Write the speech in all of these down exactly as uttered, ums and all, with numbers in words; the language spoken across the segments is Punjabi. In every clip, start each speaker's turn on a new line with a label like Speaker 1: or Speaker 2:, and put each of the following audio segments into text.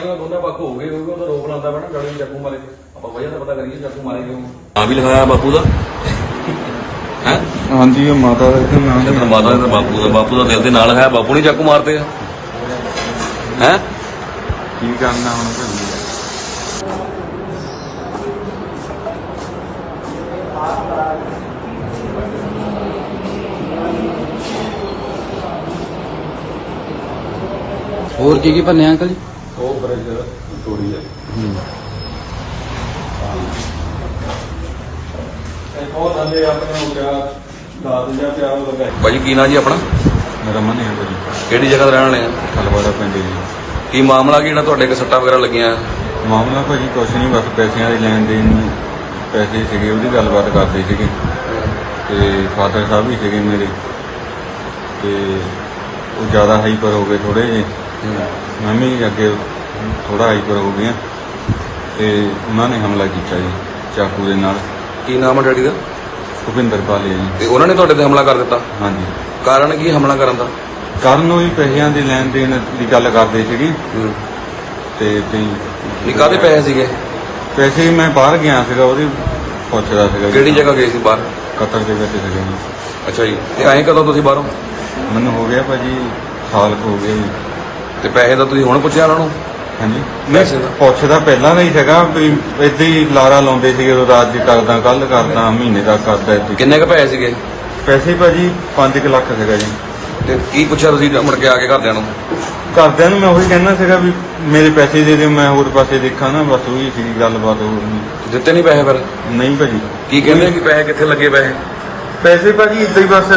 Speaker 1: ਪਾਰਟੀਆਂ ਦੋਨੇ ਪੱਖ ਹੋ ਗਏ ਕਿਉਂਕਿ ਉਹ ਤਾਂ ਰੋਕ ਲਾਉਂਦਾ ਪੈਣਾ ਗਾੜੀ ਚਾਕੂ ਮਾਰੇ ਆਪਾਂ ਵਜ੍ਹਾ ਤਾਂ ਪਤਾ ਕਰੀਏ ਚਾਕੂ ਮਾਰੇ ਕਿਉਂ। ਨਾਂ ਵੀ ਲਿਖਾਇਆ ਬਾਪੂ ਦਾ ਹੈ।
Speaker 2: ਹਾਂਜੀ ਉਹ ਮਾਤਾ ਦਾ ਇੱਥੇ ਨਾਮ
Speaker 1: ਤੇ ਮਾਤਾ ਦਾ ਬਾਪੂ ਦਾ ਬਾਪੂ ਦਾ ਦਿਲ ਦੇ ਨਾਲ ਲਿਖਾਇਆ ਬਾਪੂ ਨੇ ਚਾਕੂ ਮਾਰਦੇ ਆ ਹੈ।
Speaker 2: ਕੀ ਕਰਨਾ ਹੁਣ ਭਾਜੀ।
Speaker 3: ਹੋਰ ਕੀ ਕੀ ਭੰਨਿਆ ਅੰਕਲ ਜੀ?
Speaker 2: ਉਹ ਬ੍ਰਿਜ ਤੋੜੀ ਹੈ। ਇੱਕ ਹੋਰ ਥੱਲੇ ਆਪਣੇ ਹੋ ਗਿਆ ਦਸ ਜਾਂ ਪਿਆਰ ਲਗਾਇਆ।
Speaker 1: ਭਾਜੀ ਕੀ ਨਾਂ ਜੀ ਆਪਣਾ?
Speaker 2: ਮੇਰਾ ਮਨ ਹੈ ਭਾਜੀ।
Speaker 1: ਕਿਹੜੀ ਜਗ੍ਹਾ ਤੇ ਰਹਿਣ ਵਾਲੇ ਆ?
Speaker 2: ਖਲਵਾੜਾ ਪਿੰਡ ਜੀ।
Speaker 1: ਕੀ ਮਾਮਲਾ ਕੀ ਜਿਹੜਾ ਤੁਹਾਡੇ ਕੋਲ ਸੱਟਾਂ ਵਗੈਰਾ ਲੱਗੀਆਂ?
Speaker 2: ਮਾਮਲਾ ਭਾਜੀ ਕੁਛ ਨਹੀਂ, ਬਸ ਪੈਸਿਆਂ ਦੀ ਲੈਣ ਦੇਣ ਨੂੰ ਪੈਸੇ ਸੀਗੇ ਉਹਦੀ ਗੱਲਬਾਤ ਕਰਦੇ ਸੀਗੇ ਤੇ ਫਾਦਰ ਸਾਹਿਬ ਵੀ ਸੀਗੇ ਮੇਰੇ ਤੇ ਉਹ ਜ਼ਿਆਦਾ ਹਾਈਪਰ ਹੋ ਗਏ ਥੋੜੇ ਜਿਹੇ। ਮੈਂ ਵੀ ਅੱਗੇ ਥੋੜਾ ਹਾਈਪਰ ਹੋ ਗਿਆ ਤੇ ਉਹਨਾਂ ਨੇ ਹਮਲਾ ਕੀਤਾ ਜੀ ਚਾਕੂ ਦੇ ਨਾਲ।
Speaker 1: ਕੀ ਨਾਮ ਹੈ ਡੈਡੀ ਦਾ?
Speaker 2: ਭੁਪਿੰਦਰ ਪਾਲੇ ਜੀ।
Speaker 1: ਤੇ ਉਹਨਾਂ ਨੇ ਤੁਹਾਡੇ ਤੇ ਹਮਲਾ ਕਰ ਦਿੱਤਾ?
Speaker 2: ਹਾਂਜੀ।
Speaker 1: ਕਾਰਨ ਕੀ ਹਮਲਾ ਕਰਨ ਦਾ?
Speaker 2: ਕਰਨ ਨੂੰ ਹੀ ਪੈਸਿਆਂ ਦੀ ਲੈਣ ਦੇਣ ਦੀ ਗੱਲ ਕਰਦੇ ਸੀਗੇ ਤੇ
Speaker 1: ਨਹੀਂ ਕਾਹਦੇ ਪੈਸੇ ਸੀਗੇ?
Speaker 2: ਪੈਸੇ ਮੈਂ ਬਾਹਰ ਗਿਆ ਸੀਗਾ ਉਹਦੀ ਪੁੱਛਦਾ ਸੀਗਾ।
Speaker 1: ਕਿਹੜੀ ਜਗ੍ਹਾ ਗਏ ਸੀ ਬਾਹਰ?
Speaker 2: ਕਤਰ ਦੇ ਵਿੱਚ ਸੀਗੇ ਜੀ।
Speaker 1: ਅੱਛਾ ਜੀ। ਤੇ ਆਏ ਕਦੋਂ ਤੁਸੀਂ ਬਾਹਰੋਂ?
Speaker 2: ਮੈਨੂੰ ਹੋ ਗਿਆ ਭਾਜੀ ਸਾਲ ਕੁ ਹੋ ਗਿਆ ਜੀ।
Speaker 1: ਤੇ ਪੈਸੇ ਦਾ ਤੁਸੀਂ ਹੁਣ ਪੁੱਛਿਆ ਉਹਨਾਂ ਨੂੰ?
Speaker 2: ਹਾਂਜੀ
Speaker 1: ਪੈਸੇ
Speaker 2: ਮੈਂ
Speaker 1: ਦਾ?
Speaker 2: ਪੁੱਛਦਾ ਪਹਿਲਾਂ ਦਾ ਹੀ ਸੀਗਾ ਵੀ ਏਦਾਂ ਹੀ ਲਾਰਾ ਲਾਉਂਦੇ ਸੀਗੇ ਉਹ ਰਾਤ ਦੀ ਕਰਦਾ ਕੱਲ ਕਰਦਾ ਮਹੀਨੇ ਦਾ ਕਰਦਾ ਏਦਾਂ।
Speaker 1: ਕਿੰਨੇ ਕੁ ਪੈਸੇ ਸੀਗੇ?
Speaker 2: ਪੈਸੇ ਭਾਜੀ ਪੰਜ ਕੁ ਲੱਖ ਸੀਗਾ ਜੀ।
Speaker 1: ਤੇ ਕੀ ਪੁੱਛਿਆ ਤੁਸੀਂ ਮੁੜ ਕੇ ਆ ਕੇ ਘਰਦਿਆਂ ਨੂੰ?
Speaker 2: ਘਰਦਿਆਂ ਨੂੰ ਮੈਂ ਉਹੀ ਕਹਿਣਾ ਸੀਗਾ ਵੀ ਮੇਰੇ ਪੈਸੇ ਦੇ ਦਿਓ ਮੈਂ ਹੋਰ ਪਾਸੇ ਦੇਖਾਂ ਨਾ, ਬਸ ਉਹੀ ਸੀ ਗੱਲਬਾਤ। ਹੋਰ ਨਹੀਂ
Speaker 1: ਦਿੱਤੇ ਨਹੀਂ ਪੈਸੇ ਫਿਰ?
Speaker 2: ਨਹੀਂ ਭਾਜੀ।
Speaker 1: ਕੀ ਕਹਿੰਦੇ ਕਿ ਪੈਸੇ ਕਿੱਥੇ ਲੱਗੇ? ਪੈਸੇ
Speaker 2: ਪੈਸੇ ਭਾਜੀ ਏਦਾਂ ਹੀ ਬਸ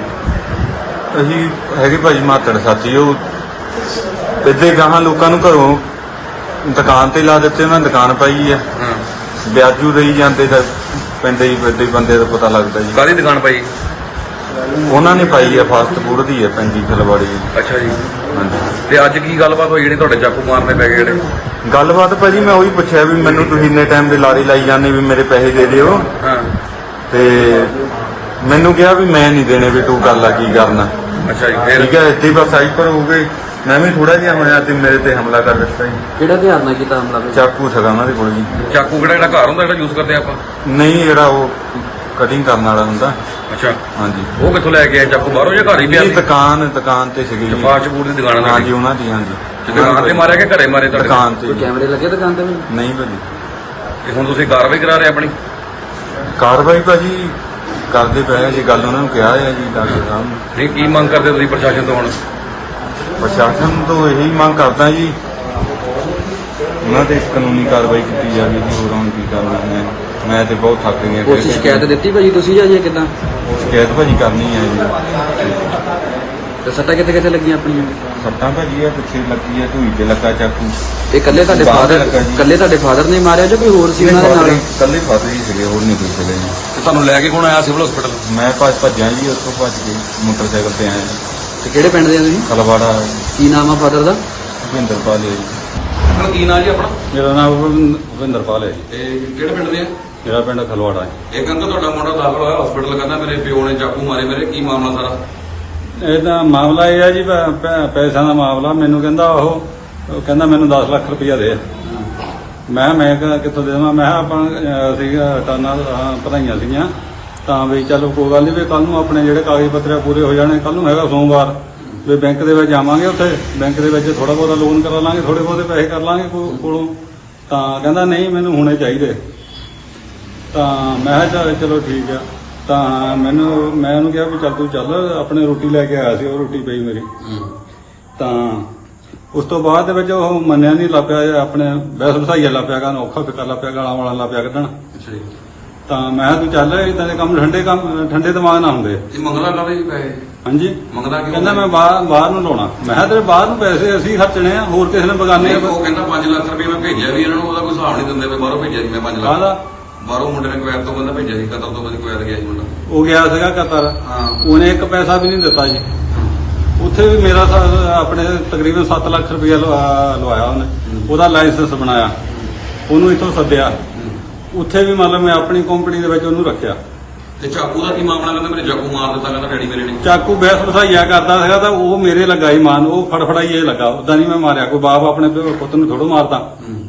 Speaker 2: ਅਸੀਂ ਹੈਗੇ ਭਾਜੀ ਮਾਤੜ ਸਾਥੀ ਉਹ ਏਦਾਂ ਹੀ ਗਾਹਾਂ ਲੋਕਾਂ ਨੂੰ ਘਰੋਂ ਦੁਕਾਨ ਤੇ ਲਾ ਦਿੱਤੇ। ਉਹਨਾਂ ਦੁਕਾਨ ਪਾਈ ਆ
Speaker 1: ਹਾਂ।
Speaker 2: ਵਿਆਜੂ ਦੇਈ ਜਾਂਦੇ ਤਾਂ ਪਿੰਡ ਹੀ ਏਦਾਂ ਹੀ ਬੰਦੇ ਦਾ ਪਤਾ ਲੱਗਦਾ ਜੀ।
Speaker 1: ਕਾਹਦੀ ਦੁਕਾਨ ਪਾਈ?
Speaker 2: ਉਹਨਾਂ ਨੇ ਪਾਈ ਆ ਫਾਸਟ ਫੂਡ ਦੀ ਹੈ ਪੈਂਜੀ ਖਲਵਾੜੀ।
Speaker 1: ਅੱਛਾ ਜੀ।
Speaker 2: ਹਾਂਜੀ।
Speaker 1: ਤੇ ਅੱਜ ਕੀ ਗੱਲਬਾਤ ਹੋਈ ਜਿਹੜੀ ਤੁਹਾਡੇ ਚਾਕੂ ਮਾਰਨੇ ਪੈ ਗਏ ਜਿਹੜੇ?
Speaker 2: ਗੱਲਬਾਤ ਭਾਜੀ ਮੈਂ ਉਹੀ ਪੁੱਛਿਆ ਵੀ ਮੈਨੂੰ ਤੁਸੀਂ ਇੰਨੇ ਟਾਈਮ ਦੇ ਲਾਰੀ ਲਾਈ ਜਾਂਦੇ ਵੀ ਮੇਰੇ ਪੈਸੇ ਦੇ ਦਿਓ
Speaker 1: ਹਾਂ।
Speaker 2: ਤੇ ਮੈਨੂੰ ਕਿਹਾ ਵੀ ਮੈਂ ਨਹੀਂ ਦੇਣੇ ਵੀ ਤੂੰ ਕਰ ਲਾ ਕੀ ਕਰਨਾ।
Speaker 1: ਅੱਛਾ ਜੀ। ਫਿਰ
Speaker 2: ਠੀਕ ਹੈ ਇੱਥੇ ਬਸ ਹਾਈਪਰ ਹੋ ਗਏ। ਮੈਂ ਵੀ ਥੋੜਾ ਜਿਹਾ ਹੋਇਆ ਤੇ ਮੇਰੇ ਤੇ ਹਮਲਾ ਕਰ ਦਿੱਤਾ ਜੀ।
Speaker 3: ਕਿਹੜਾ ਧਿਆਨ ਨਾਲ ਕੀਤਾ ਹਮਲਾ?
Speaker 2: ਚਾਕੂ ਸੀਗਾ ਉਹਨਾਂ ਦੇ ਕੋਲ ਜੀ।
Speaker 1: ਚਾਕੂ ਕਿਹੜਾ ਜਿਹੜਾ ਘਰ ਹੁੰਦਾ ਜਿਹੜਾ ਯੂਜ਼ ਕਰਦੇ ਆਪਾਂ?
Speaker 2: ਨਹੀਂ ਜਿਹੜਾ ਉਹ ਕਟਿੰਗ ਕਰਨ ਵਾਲਾ ਹੁੰਦਾ।
Speaker 1: ਅੱਛਾ।
Speaker 2: ਹਾਂਜੀ।
Speaker 1: ਉਹ ਕਿੱਥੋਂ ਲੈ ਕੇ ਆਏ ਚਾਕੂ? ਬਾਹਰੋਂ ਜਾਂ ਘਰ ਹੀ ਪਿਆ
Speaker 2: ਇਹ
Speaker 1: ਸੀ?
Speaker 2: ਦੁਕਾਨ ਦੁਕਾਨ ਤੇ ਸੀਗੀ ਜੀ।
Speaker 1: ਫਾਸਟ ਫੂਡ ਦੀ ਦੁਕਾਨ ਹੈ?
Speaker 2: ਹਾਂਜੀ ਉਹਨਾਂ ਦੀ। ਹਾਂਜੀ।
Speaker 1: ਦੁਕਾਨ ਤੇ ਮਾਰਿਆ ਕਿ ਘਰੇ ਮਾਰੇ ਤੁਹਾਡੇ?
Speaker 2: ਦੁਕਾਨ ਤੇ
Speaker 3: ਕੋਈ
Speaker 2: ਜੀ।
Speaker 3: ਕੈਮਰੇ ਲੱਗੇ ਦੁਕਾਨ ਤੇ ਵੀ?
Speaker 2: ਨਹੀਂ ਭਾਜੀ।
Speaker 1: ਤੇ ਹੁਣ ਤੁਸੀਂ ਕਾਰਵਾਈ ਕਰਾ ਰਹੇ ਆਪਣੀ?
Speaker 2: ਕਾਰਵਾਈ ਭਾਜੀ ਕਰਦੇ ਪਏ ਆ ਜੀ। ਗੱਲ ਉਹਨਾਂ ਨੂੰ ਕਿਹਾ ਹੈ ਜੀ ਡਾਕਟਰ ਸਾਹਿਬ ਨੂੰ।
Speaker 1: ਨਹੀਂ ਕੀ ਮੰਗ ਕਰਦੇ ਤੁਸੀਂ ਪ੍ਰਸ਼ਾਸਨ ਤੋਂ ਹੁਣ?
Speaker 2: ਪ੍ਰਸ਼ਾਸਨ ਤੋਂ ਇਹੀ ਮੰਗ ਕਰਦਾ ਜੀ ਉਹਨਾਂ ਤੇ ਕਾਨੂੰਨੀ ਕਾਰਵਾਈ ਕੀਤੀ ਜਾਵੇ ਜੀ। ਹੋਰ ਹੁਣ ਕੀ ਕਰਨਾ ਮੈਂ ਮੈਂ ਤੇ ਬਹੁਤ ਥੱਕ ਗਿਆ।
Speaker 3: ਕੋਈ ਸ਼ਿਕਾਇਤ ਦਿੱਤੀ ਭਾਜੀ ਤੁਸੀਂ ਜਾਂ ਜੇ ਕਿੱਦਾਂ?
Speaker 2: ਸ਼ਿਕਾਇਤ ਭਾਜੀ ਕਰਨੀ ਹੈ ਜੀ।
Speaker 3: ਤੇ ਸੱਟਾਂ ਕਿੱਥੇ ਕਿੱਥੇ ਲੱਗੀਆਂ ਆਪਣੀਆਂ?
Speaker 2: ਸੱਟਾਂ ਭਾਜੀ ਆ ਪਿੱਛੇ ਲੱਗੀ ਆ ਢੂਈ ਤੇ ਲੱਗਾ ਚਾਕੂ।
Speaker 3: ਇਹ ਇਕੱਲੇ ਤੁਹਾਡੇ
Speaker 2: ਬਾਹਰ
Speaker 3: ਫਾਦਰ
Speaker 2: ਲੱਗਾ ਜੀ।
Speaker 3: ਇਕੱਲੇ ਤੁਹਾਡੇ ਫਾਦਰ ਨੇ ਮਾਰਿਆ ਜਾਂ ਕੋਈ ਹੋਰ ਸੀ ਉਹਨਾਂ ਦੇ ਨਾਲ?
Speaker 2: ਇਕੱਲੇ ਫਾਦਰ ਹੀ ਸੀਗੇ ਹੋਰ ਨਹੀਂ ਕੋਈ ਸੀਗੇ ਜੀ।
Speaker 1: ਤੇ ਤੁਹਾਨੂੰ ਲੈ ਕੇ ਕੌਣ ਆਇਆ ਸਿਵਲ ਹਸਪੀਟਲ?
Speaker 2: ਮੈਂ ਭੱਜ ਭੱਜਿਆ ਜੀ ਉੱਥੋਂ ਭੱਜ ਕੇ ਮੋਟਰਸਾਈਕਲ ਤੇ ਆਇਆ।
Speaker 3: ਤੇ ਕਿਹੜੇ ਪਿੰਡ ਦੇ ਆ ਤੁਸੀਂ?
Speaker 2: ਖਲਵਾੜਾ
Speaker 3: ਕੀ ਨਾਮ ਆ ਫਾਦਰ ਦਾ?
Speaker 2: ਭੁਪਿੰਦਰ ਪਾਲੇ ਜੀ।
Speaker 1: ਆਪਣਾ ਕੀ ਨਾਂ ਜੀ ਆਪਣਾ?
Speaker 2: ਮੇਰਾ ਨਾਮ ਭੁਪਿੰਦਰ ਪਾਲ ਹੈ ਜੀ।
Speaker 1: ਤੇ ਕਿਹੜੇ ਪਿੰਡ ਦੇ ਆ?
Speaker 2: ਮੇਰਾ ਪਿੰਡ ਖਲਵਾੜਾ ਹੈ।
Speaker 1: ਇਹ ਕਹਿੰਦਾ ਤੁਹਾਡਾ ਮੁੰਡਾ ਦਾਖਲ ਹੋਇਆ ਹਸਪੀਟਲ, ਕਹਿੰਦਾ ਮੇਰੇ ਪਿਓ ਨੇ ਚਾਕੂ ਮਾਰੇ ਮੇਰੇ। ਕੀ ਮਾਮਲਾ ਸਾਰਾ?
Speaker 4: ਇਹ ਤਾਂ ਮਾਮਲਾ ਇਹ ਹੈ ਜੀ ਪੈ- ਪੈ- ਪੈਸਿਆਂ ਦਾ ਮਾਮਲਾ। ਮੈਨੂੰ ਕਹਿੰਦਾ ਉਹ ਉਹ ਕਹਿੰਦਾ ਮੈਨੂੰ ਦਸ ਲੱਖ ਰੁਪਈਆ ਦੇ। ਮੈਂ ਮੈਂ ਕਿਹਾ ਕਿੱਥੋਂ ਦੇ ਦੇਵਾਂ? ਮੈਂ ਕਿਹਾ ਆਪਾਂ ਅਹ, ਸੀਗਾ ਟਾਨਾ ਭਰਾਈਆਂ ਸੀਗੀਆਂ ਤਾਂ ਵੀ ਚਲੋ ਕੋਈ ਗੱਲ ਨਹੀਂ ਵੀ ਕੱਲ ਨੂੰ ਆਪਣੇ ਜਿਹੜੇ ਕਾਗਜ਼ ਪੱਤਰ ਪੂਰੇ ਹੋ ਜਾਣੇ। ਕੱਲ ਨੂੰ ਹੈਗਾ ਸੋਮਵਾਰ ਵੀ ਬੈਂਕ ਦੇ ਵਿੱਚ ਜਾਵਾਂਗੇ। ਉੱਥੇ ਬੈਂਕ ਦੇ ਵਿੱਚ ਥੋੜਾ ਬਹੁਤਾ ਲੋਨ ਕਰਾ ਲਾਂਗੇ, ਥੋੜੇ ਬਹੁਤੇ ਪੈਸੇ ਕਰ ਲਾਂਗੇ ਕੋ- ਕੋਲੋਂ। ਤਾਂ ਕਹਿੰਦਾ ਨਹੀਂ ਮੈਨੂੰ ਹੁਣੇ ਚਾਹੀਦੇ। ਤਾਂ ਮੈਂ ਕਿਹਾ ਚੱਲ ਚਲੋ ਠੀਕ ਆ। ਤਾਂ ਮੈਨੂੰ ਮੈਂ ਉਹਨੂੰ ਕਿਹਾ ਵੀ ਚੱਲ ਤੂੰ ਚੱਲ। ਆਪਣੇ ਰੋਟੀ ਲੈ ਕੇ ਆਇਆ ਸੀ, ਉਹ ਰੋਟੀ ਪਈ ਮੇਰੀ। ਤਾਂ ਉਸ ਤੋਂ ਬਾਅਦ ਦੇ ਵਿੱਚ ਉਹ ਮੰਨਿਆ ਨਹੀਂ ਲੱਪਿਆ, ਆਪਣੇ ਬਹਿਸ ਵਸਾਈਆ ਲੱਪਿਆ ਕਰਨ, ਔਖਾ ਫਿਕਰ ਲੱਪਿਆ, ਗਾਲਾਂ ਵਾਲਾ ਲੱਪਿਆ ਕੱਢਣ।
Speaker 1: ਅੱਛਾ ਜੀ।
Speaker 4: ਤਾਂ ਮੈਂ ਕਿਹਾ ਤੂੰ ਚੱਲ, ਇਦਾਂ ਦੇ ਕੰਮ ਠੰਡੇ ਕੰਮ ਠੰਡੇ ਦਿਮਾਗ ਨਾਲ ਹੁੰਦੇ।
Speaker 1: ਇਹ ਮੰਗਦਾ ਕਾਹਦੇ ਪੈਸੇ?
Speaker 4: ਹਾਂਜੀ।
Speaker 1: ਮੰਗਦਾ ਕਿਉਂ?
Speaker 4: ਕਹਿੰਦਾ ਮੈਂ ਬਾਹਰ ਬਾਹਰ ਨੂੰ ਲਾਉਣਾ। ਮੈਂ ਕਿਹਾ ਤੇਰੇ ਬਾਹਰ ਨੂੰ ਪੈਸੇ ਅਸੀਂ ਖਰਚਣੇ ਆ, ਹੋਰ ਕਿਸੇ ਨੇ ਬਗਾਨੇ ਆ।
Speaker 1: ਉਹ ਕਹਿੰਦਾ ਪੰਜ ਲੱਖ ਰੁਪਏ ਮੈਂ ਭੇਜਿਆ ਵੀ ਇਹਨਾਂ ਨੂੰ, ਉਹਦਾ ਕੋਈ ਹਿਸਾਬ ਨਹੀਂ ਦਿੰਦੇ ਪਏ। ਬਾਹਰੋਂ ਭੇਜਿਆ ਸੀ ਮੈਂ ਪੰਜ ਲੱਖ।
Speaker 4: ਕਾਹਦਾ?
Speaker 1: ਬਾਹਰੋਂ ਮੁੰਡੇ ਨੇ ਕੁਵੈਤ ਤੋਂ ਬੰਦਾ ਭੇਜਿਆ ਸੀ, ਕਤਰ ਤੋਂ ਬੰਦਾ ਕੁਵੈਤ ਗਿਆ ਸੀ ਮੁੰਡਾ।
Speaker 4: ਉਹ ਗਿਆ ਸੀਗਾ ਕਤਰ।
Speaker 1: ਹਾਂ।
Speaker 4: ਉਹਨੇ ਇੱਕ ਪੈਸਾ ਵੀ ਨਹੀਂ ਦਿੱਤਾ ਜੀ। ਉੱਥੇ ਵੀ ਮੇਰਾ ਸਾ- ਆਪਣੇ ਤਕਰੀਬਨ ਸੱਤ ਲੱਖ ਰੁਪਇਆ ਲਵਾਇਆ ਉਹਨੇ। ਉਹਦਾ ਲਾਇਸੈਂਸ ਬਣਾਇਆ, ਉਹਨੂੰ ਇੱਥੋਂ ਸੱਦਿਆ। ਉੱਥੇ ਵੀ ਮਤਲਬ ਮੈਂ ਆਪਣੀ ਕੰਪਨੀ ਦੇ ਵਿੱਚ ਉਹਨੂੰ ਰੱਖਿਆ
Speaker 1: ਤੇ ਚਾਕੂ ਦਾ ਕੀ ਮਾਮਲਾ? ਕਹਿੰਦਾ ਮੇਰੇ ਚਾਕੂ ਮਾਰ ਦਿੱਤਾ, ਕਹਿੰਦਾ ਡੈਡੀ ਮੇਰੇ ਨੇ।
Speaker 4: ਚਾਕੂ ਬਹਿਸ ਵਸਾਈਆ ਕਰਦਾ ਸੀਗਾ ਤਾਂ ਉਹ ਮੇਰੇ ਲੱਗਾ ਹੀ ਮਾਨ, ਉਹ ਫੜਫੜਾਈ ਇਹ ਲੱਗਾ, ਉਦਾਂ ਨਹੀਂ ਮੈਂ ਮਾਰਿਆ। ਕੋਈ ਬਾਪ ਆਪਣੇ ਪਿਓ- ਪੁੱਤ ਨੂੰ ਥੋੜੋ ਮਾਰਦਾ।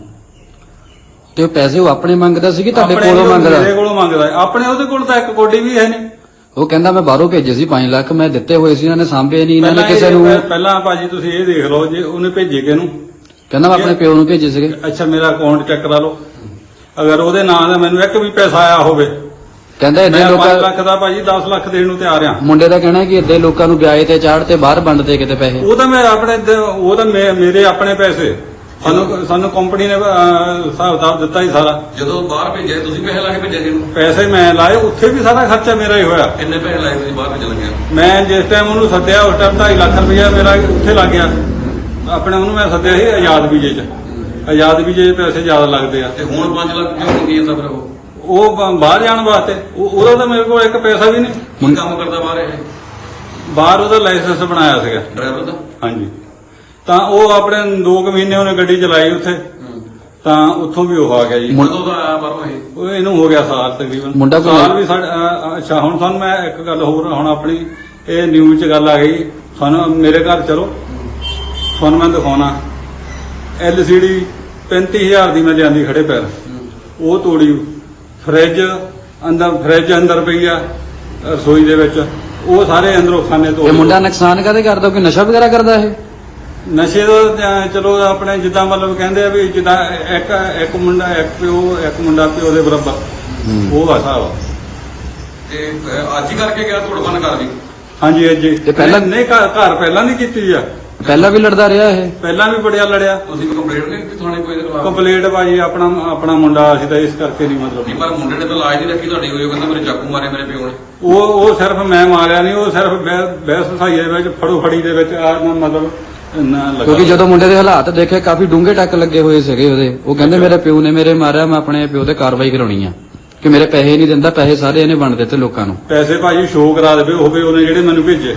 Speaker 3: ਤੇ ਉਹ ਪੈਸੇ ਉਹ ਆਪਣੇ ਮੰਗਦਾ ਸੀ ਕਿ ਤੁਹਾਡੇ
Speaker 4: ਆਪਣੇ
Speaker 3: ਕੋਲੋਂ ਮੰਗਦਾ?
Speaker 4: ਮੇਰੇ ਕੋਲੋਂ ਮੰਗਦਾ ਹੈ। ਆਪਣੇ ਉਹਦੇ ਕੋਲ ਤਾਂ ਇੱਕ ਕੋਡੀ ਵੀ ਹੈ ਨਹੀਂ।
Speaker 3: ਉਹ ਕਹਿੰਦਾ ਮੈਂ ਬਾਹਰੋਂ ਭੇਜੇ ਸੀ ਪੰਜ ਲੱਖ, ਮੈਂ ਦਿੱਤੇ ਹੋਏ ਸੀ, ਇਹਨਾਂ ਨੇ ਸਾਂਭੇ ਨਹੀਂ, ਇਹਨਾਂ ਨੇ
Speaker 4: ਪਹਿਲਾਂ
Speaker 3: ਕਿਸੇ
Speaker 4: ਇਹ-
Speaker 3: ਨੂੰ।
Speaker 4: ਪਹਿਲਾਂ ਭਾਜੀ ਤੁਸੀਂ ਇਹ ਦੇਖ ਲਓ, ਜੇ ਉਹਨੇ ਭੇਜੇ ਕਿਹਨੂੰ?
Speaker 3: ਕਹਿੰਦਾ ਮੈਂ ਆਪਣੇ ਪਿਓ ਨੂੰ ਭੇਜੇ ਸੀਗੇ।
Speaker 4: ਅੱਛਾ, ਮੇਰਾ ਅਕਾਊਂਟ ਚੈੱਕ ਕਰਾ ਲਓ, ਅਗਰ ਉਹਦੇ ਨਾਂ ਦਾ ਮੈਨੂੰ ਇੱਕ ਵੀ ਪੈਸਾ ਆਇਆ ਹੋਵੇ।
Speaker 3: ਕਹਿੰਦਾ
Speaker 4: ਮੈਂ
Speaker 3: ਏਦਾਂ
Speaker 4: ਪੰਜ
Speaker 3: ਲੋਕਾਂ
Speaker 4: ਲੱਖ ਦਾ ਭਾਜੀ ਦਸ ਲੱਖ ਦੇਣ ਨੂੰ ਤਿਆਰ ਆ।
Speaker 3: ਮੁੰਡੇ ਦਾ ਕਹਿਣਾ ਕਿ ਏਦਾਂ ਲੋਕਾਂ ਨੂੰ ਵਿਆਜ ਤੇ ਚਾੜ ਤੇ ਬਾਹਰ ਵੰਡਦੇ ਕਿਤੇ ਪੈਸੇ।
Speaker 4: ਉਹ ਤਾਂ ਮੈਂ ਆਪਣੇ ਦ- ਉਹ ਤਾਂ ਮੇ- ਮੇਰੇ ਆਪਣੇ ਪੈਸੇ, ਸਾਨੂੰ ਸਾਨੂੰ ਕੰਪਨੀ ਨੇ ਅਹ, ਹਿਸਾਬ ਕਿਤਾਬ ਦਿੱਤਾ ਹੀ ਸਾਰਾ।
Speaker 1: ਜਦੋਂ ਬਾਹਰ ਭੇਜਿਆ ਤੁਸੀਂ ਪੈਸੇ ਲਾ ਕੇ ਭੇਜਿਆ ਸੀ ਇਹਨੂੰ?
Speaker 4: ਪੈਸੇ ਮੈਂ ਲਾਏ, ਉੱਥੇ ਵੀ ਸਾਰਾ ਖਰਚਾ ਮੇਰਾ ਹੀ ਹੋਇਆ।
Speaker 1: ਕਿੰਨੇ ਪੈਸੇ ਲਾਏ ਤੁਸੀਂ ਬਾਹਰ ਭੇਜਣ ਲੱਗਿਆ?
Speaker 4: ਮੈਂ ਜਿਸ ਟਾਈਮ ਉਹਨੂੰ ਸੱਦਿਆ ਉਸ ਟਾਈਮ ਢਾਈ ਲੱਖ ਰੁਪਇਆ ਮੇਰਾ ਉੱਥੇ ਲੱਗ ਗਿਆ। ਆਪਣੇ ਉਹਨੂੰ ਮੈਂ ਸੱਦਿਆ ਸੀ ਆਜ਼ਾਦ ਵੀਜੇ 'ਚ। ਆਜ਼ਾਦ ਵੀਜੇ 'ਚ ਪੈਸੇ ਜ਼ਿਆਦਾ ਲੱਗਦੇ ਆ।
Speaker 1: ਤੇ ਹੁਣ ਪੰਜ ਲੱਖ ਕਿਉਂ ਮੰਗੀ ਜਾਂਦਾ ਫਿਰ ਉਹ?
Speaker 4: ਉਹ ਬ- ਬਾਹਰ ਜਾਣ ਵਾਸਤੇ ਉਹ- ਉਹਦਾ ਤਾਂ ਮੇਰੇ ਕੋਲ ਇੱਕ ਪੈਸਾ ਵੀ ਨਹੀਂ।
Speaker 1: ਕੀ ਕੰਮ ਕਰਦਾ ਬਾਹਰ ਇਹ?
Speaker 4: ਬਾਹਰ ਉਹਦਾ ਲਾਇਸੈਂਸ ਬਣਾਇਆ ਸੀਗਾ।
Speaker 1: ਡਰਾਈਵਰ ਦਾ?
Speaker 4: ਹਾਂਜੀ। ਤਾਂ ਉਹ ਆਪਣੇ ਦੋ ਕੁ ਮਹੀਨੇ ਉਹਨੇ ਗੱਡੀ ਚਲਾਈ ਉੱਥੇ, ਤਾਂ ਉੱਥੋਂ ਵੀ ਉਹ ਆ ਗਿਆ ਜੀ।
Speaker 1: ਕਦੋਂ ਦਾ ਆਇਆ ਬਾਹਰੋਂ ਇਹ?
Speaker 4: ਉਹ ਇਹਨੂੰ ਹੋ ਗਿਆ ਸਾਲ ਤਕਰੀਬਨ।
Speaker 3: ਮੁੰਡਾ ਕੋਈ-
Speaker 4: ਸਾਲ ਵੀ ਸਾਡਾ ਅ, ਅੱਛਾ ਹੁਣ ਤੁਹਾਨੂੰ ਮੈਂ ਇੱਕ ਗੱਲ ਹੋਰ, ਹੁਣ ਆਪਣੀ ਇਹ ਨਿਊਜ਼ 'ਚ ਗੱਲ ਆ ਗਈ। ਤੁਹਾਨੂੰ ਮੇਰੇ ਘਰ ਚਲੋ, ਤੁਹਾਨੂੰ ਮੈਂ ਦਿਖਾਉਣਾ। ਐਲ ਸੀ ਡੀ ਪੈਂਤੀ ਹਜ਼ਾਰ ਦੀ ਮੈਂ ਲਿਆਂਦੀ ਖੜੇ ਪੈਰ, ਉਹ ਤੋੜੀ। ਫਰਿੱਜ ਅੰਦਰ ਫਰਿੱਜ ਅੰਦਰ ਪਈ ਆ ਰਸੋਈ ਦੇ ਵਿੱਚ, ਉਹ ਸਾਰੇ ਅੰਦਰੋਂ ਖਾਨੇ ਤੋੜ।
Speaker 3: ਇਹ ਮੁੰਡਾ ਨੁਕਸਾਨ ਕਾਹਦੇ ਕਰਦਾ? ਕੋਈ ਨਸ਼ਾ ਵਗੈਰਾ ਕਰਦਾ ਇਹ?
Speaker 4: ਨਸ਼ੇ ਦਾ ਤਾਂ ਚਲੋ ਆਪਣੇ ਜਿੱਦਾਂ ਮਤਲਬ ਕਹਿੰਦੇ ਆ ਵੀ ਜਿੱਦਾਂ ਇੱਕ ਇੱਕ ਮੁੰਡਾ ਇੱਕ ਪਿਓ ਇੱਕ ਮੁੰਡਾ ਪਿਓ ਦੇ ਬਰਾਬਰ, ਉਹ ਆ ਹਿਸਾਬ ਆ।
Speaker 1: ਤੇ ਅਹ, ਅੱਜ ਹੀ ਕਰਕੇ ਗਿਆ ਧੁੜਬਨ ਕਰ ਵੀ?
Speaker 4: ਹਾਂਜੀ ਅੱਜ ਹੀ।
Speaker 3: ਤੇ ਪਹਿਲਾਂ-
Speaker 4: ਨਹੀਂ ਘਰ ਘਰ ਪਹਿਲਾਂ ਨਹੀਂ ਕੀਤੀ ਆ,
Speaker 3: ਪਹਿਲਾਂ ਵੀ ਲੜਦਾ ਰਿਹਾ ਇਹ?
Speaker 4: ਪਹਿਲਾਂ ਵੀ ਬੜਿਆ ਲੜਿਆ।
Speaker 1: ਤੁਸੀਂ ਕੋਈ ਕੰਪਲੇਂਟ ਨਹੀਂ ਕੀਤੀ ਥਾਣੇ ਕੋਈ ਇਹਦੇ ਖਿਲਾਫ?
Speaker 4: ਕੰਪਲੀਟ ਭਾਜੀ ਆਪਣਾ ਆਪਣਾ ਮੁੰਡਾ ਅਸੀਂ ਤਾਂ ਇਸ ਕਰਕੇ ਨਹੀਂ
Speaker 1: ਨਹੀਂ,
Speaker 4: ਮਤਲਬ
Speaker 1: ਪਰ ਮੁੰਡੇ ਨੇ ਤਾਂ ਲਾਜ ਨਹੀਂ ਰੱਖੀ ਤੁਹਾਡੀ ਕੋਈ, ਉਹ ਕਹਿੰਦਾ ਮੇਰੇ ਚਾਕੂ ਮਾਰੇ ਮੇਰੇ ਪਿਓ ਨੇ।
Speaker 4: ਉਹ ਉਹ ਸਿਰਫ ਮੈਂ ਮਾਰਿਆ ਨਹੀਂ, ਉਹ ਸਿਰਫ ਬਹਿ- ਬਹਿਸ ਵਸਾਈਏ ਵਿੱਚ ਫੜੋ ਫੜੀ ਦੇ ਵਿੱਚ ਆ ਨਾ ਮਤਲਬ ਨਾ ਲੱਗਾ।
Speaker 3: ਕਿਉਂਕਿ ਜਦੋਂ ਮੁੰਡੇ ਦੇ ਹਾਲਾਤ ਦੇਖੇ ਕਾਫੀ ਡੂੰਘੇ ਟੱਕ ਲੱਗੇ ਹੋਏ ਸੀਗੇ ਉਹਦੇ। ਉਹ ਕਹਿੰਦੇ ਮੇਰੇ ਪਿਓ ਨੇ ਮੇਰੇ ਮਾਰਿਆ, ਮੈਂ ਆਪਣੇ ਪਿਓ ਤੇ ਕਾਰਵਾਈ ਕਰਾਉਣੀ ਆ ਕਿ ਮੇਰੇ ਪੈਸੇ ਨਹੀਂ ਦਿੰਦਾ, ਪੈਸੇ ਸਾਰੇ ਇਹਨੇ ਵੰਡ ਦਿੱਤੇ ਲੋਕਾਂ ਨੂੰ।
Speaker 4: ਪੈਸੇ ਭਾਜੀ ਸ਼ੋਅ ਕਰਾ ਦੇਵੇ ਹੋਵੇ ਉਹਨੇ ਜਿਹੜੇ ਮੈਨੂੰ ਭੇਜੇ,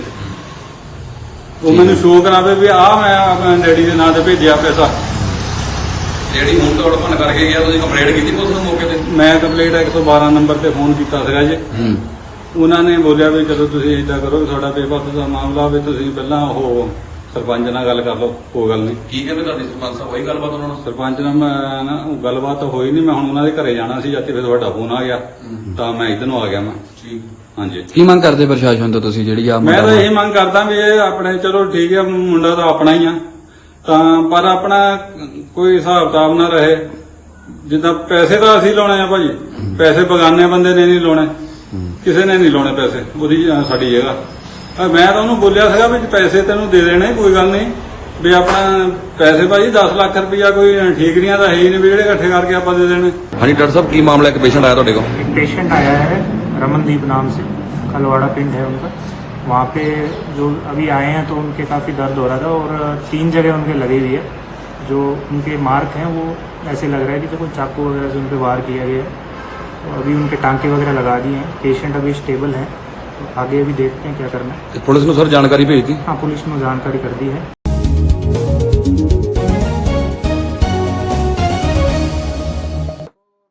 Speaker 4: ਉਹ ਮੈਨੂੰ ਸ਼ੋਅ ਕਰਾਵੇ ਵੀ ਆ ਮੈਂ ਆਪਣੇ ਡੈਡੀ ਦੇ ਨਾਂ ਤੇ ਭੇਜਿਆ ਪੈਸਾ।
Speaker 1: ਜਿਹੜੀ ਹੁਣ ਧੁੜਬਨ ਕਰਕੇ ਗਿਆ, ਤੁਸੀਂ ਕੰਪਲੇਂਟ ਕੀਤੀ ਪੁਲਿਸ ਨੂੰ ਮੌਕੇ ਤੇ?
Speaker 4: ਮੈਂ ਕੰਪਲੀਟ ਇੱਕ ਸੌ ਬਾਰਾਂ ਨੰਬਰ ਤੇ ਫੋਨ ਕੀਤਾ ਸੀਗਾ ਜੀ।
Speaker 3: ਹੂੰ।
Speaker 4: ਉਹਨਾਂ ਨੇ ਬੋਲਿਆ ਵੀ ਚਲੋ ਤੁਸੀਂ ਏਦਾਂ ਕਰੋ ਵੀ ਤੁਹਾਡਾ ਬੇਪਤ ਦਾ ਮਾਮਲਾ ਵੀ ਤੁਸੀਂ ਪਹਿਲਾਂ ਉਹ ਸਰਪੰਚ ਨਾਲ ਗੱਲ ਕਰ ਲਓ, ਕੋਈ ਗੱਲ ਨਹੀਂ।
Speaker 1: ਕੀ ਕਹਿੰਦੇ ਤੁਹਾਡੀ ਸਰਪੰਚ ਸਾਹਿਬ? ਹੋਈ ਗੱਲਬਾਤ ਉਹਨਾਂ ਨਾਲ?
Speaker 4: ਸਰਪੰਚ ਨਾਲ ਮੈਂ ਨਾ ਉਹ ਗੱਲਬਾਤ ਤਾਂ ਹੋਈ ਨਹੀਂ, ਮੈਂ ਹੁਣ ਉਹਨਾਂ ਦੇ ਘਰੇ ਜਾਣਾ ਸੀ ਜਦ ਤੇ ਫਿਰ ਤੁਹਾਡਾ ਫੋਨ ਆ ਗਿਆ ਤਾਂ ਮੈਂ ਇੱਧਰ ਨੂੰ ਆ ਗਿਆ ਮੈਂ।
Speaker 1: ਠੀਕ।
Speaker 4: ਹਾਂਜੀ।
Speaker 3: ਕੀ ਮੰਗ ਕਰਦੇ ਪ੍ਰਸ਼ਾਸਨ ਤੋਂ ਤੁਸੀਂ ਜਿਹੜੀ ਆ
Speaker 4: ਮੈਂ ਤਾਂ ਇਹ ਮੰਗ ਕਰਦਾ ਵੀ ਇਹ ਆਪਣੇ ਚਲੋ ਠੀਕ ਹੈ, ਮੁੰਡਾ ਤਾਂ ਆਪਣਾ ਹੀ ਆ, ਤਾਂ ਪਰ ਆਪਣਾ ਕੋਈ ਹਿਸਾਬ ਕਿਤਾਬ ਨਾ ਰਹੇ। ਜਿੱਦਾਂ ਪੈਸੇ ਤਾਂ ਅਸੀਂ ਲਾਉਣੇ ਆ ਭਾਜੀ, ਪੈਸੇ ਬਗਾਨੇ ਬੰਦੇ ਨੇ ਨਹੀਂ ਲਾਉਣੇ, ਕਿਸੇ ਨੇ ਨਹੀਂ ਲਾਉਣੇ ਪੈਸੇ। ਉਹਦੀ ਅ, ਸਾਡੀ ਜਗ੍ਹਾ ਅ, ਮੈਂ ਤਾਂ ਉਹਨੂੰ ਬੋਲਿਆ ਸੀਗਾ ਵੀ ਪੈਸੇ ਤੈਨੂੰ ਦੇ ਦੇਣੇ, ਕੋਈ ਗੱਲ ਨਹੀਂ ਵੀ ਆਪਣਾ ਪੈਸੇ ਭਾਜੀ ਦਸ ਲੱਖ ਰੁਪਇਆ ਕੋਈ ਠੀਕਰੀਆਂ ਤਾਂ ਹੈ ਹੀ ਨਹੀਂ ਵੀ ਜਿਹੜੇ ਇਕੱਠੇ ਕਰਕੇ ਆਪਾਂ ਦੇ ਦੇਣੇ।
Speaker 1: ਹਾਂਜੀ ਡਾਕਟਰ ਸਾਹਿਬ, ਕੀ ਮਾਮਲਾ? ਇੱਕ ਪੇਸ਼ੈਂਟ ਆਇਆ ਤੁਹਾਡੇ ਕੋਲ?
Speaker 5: एक पेशेंट आया है रमनदीप नाम से, खलवाड़ा पिंड है उनका। वहाँ पे जो अभी आए हैं तो उनके काफ़ी दर्द हो रहा था और तीन जगह उनके लगी हुई है। जो उनके मार्क हैं वो ऐसे लग रहा है कि तो कोई चाकू वगैरह से उन पर वार किया गया है। तो अभी उनके टांके वगैरह लगा दिए हैं। पेशेंट अभी स्टेबल है, तो आगे अभी देखते हैं क्या करना है।
Speaker 1: ਪੁਲਿਸ ਨੂੰ ਸਰ ਜਾਣਕਾਰੀ ਭੇਜਤੀ?
Speaker 5: हाँ, पुलिस ने जानकारी कर दी है।